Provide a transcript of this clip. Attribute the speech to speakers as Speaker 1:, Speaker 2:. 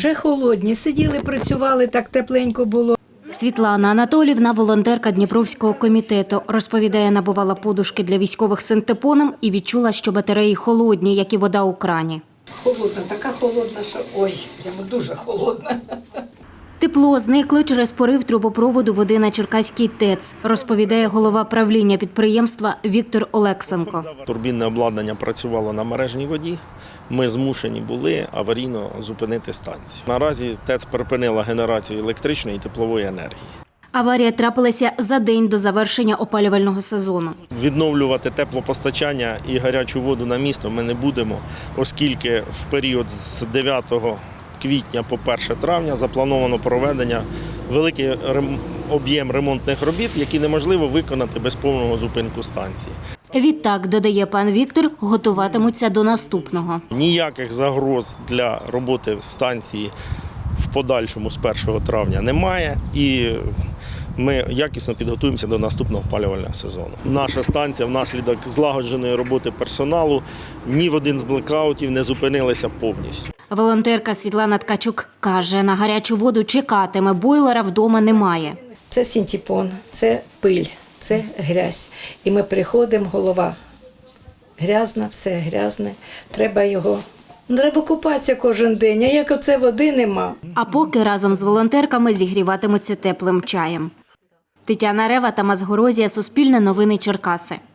Speaker 1: Вже холодні, сиділи, працювали, так тепленько було.
Speaker 2: Світлана Анатоліївна – волонтерка Дніпровського комітету. Розповідає, набувала подушки для військових синтепоном і відчула, що батареї холодні, як і вода у крані.
Speaker 1: Холодна, така холодна, що ой, прямо дуже холодна.
Speaker 2: Тепло зникло через порив трубопроводу води на Черкаський ТЕЦ, розповідає голова правління підприємства Віктор Олексенко.
Speaker 3: Турбінне обладнання працювало на мережній воді. Ми змушені були аварійно зупинити станцію. Наразі ТЕЦ припинила генерацію електричної і теплової енергії.
Speaker 2: Аварія трапилася за день до завершення опалювального сезону.
Speaker 3: Відновлювати теплопостачання і гарячу воду на місто ми не будемо, оскільки в період з 9 квітня по 1 травня заплановано проведення великий об'єм ремонтних робіт, які неможливо виконати без повного зупинку станції.
Speaker 2: Відтак, додає пан Віктор, готуватимуться до наступного.
Speaker 3: Ніяких загроз для роботи станції в подальшому з 1 травня немає і ми якісно підготуємося до наступного опалювального сезону. Наша станція внаслідок злагодженої роботи персоналу ні в один з блекаутів не зупинилася повністю.
Speaker 2: Волонтерка Світлана Ткачук каже, на гарячу воду чекатиме, бойлера вдома немає.
Speaker 1: Це синтепон, це пиль, це грязь. І ми приходимо, голова грязна, все грязне, треба його... Треба купатися кожен день, а як оце води нема.
Speaker 2: А поки разом з волонтерками зігріватимуться теплим чаєм. Тетяна Рева, Тамас Горозія, Суспільне новини Черкаси.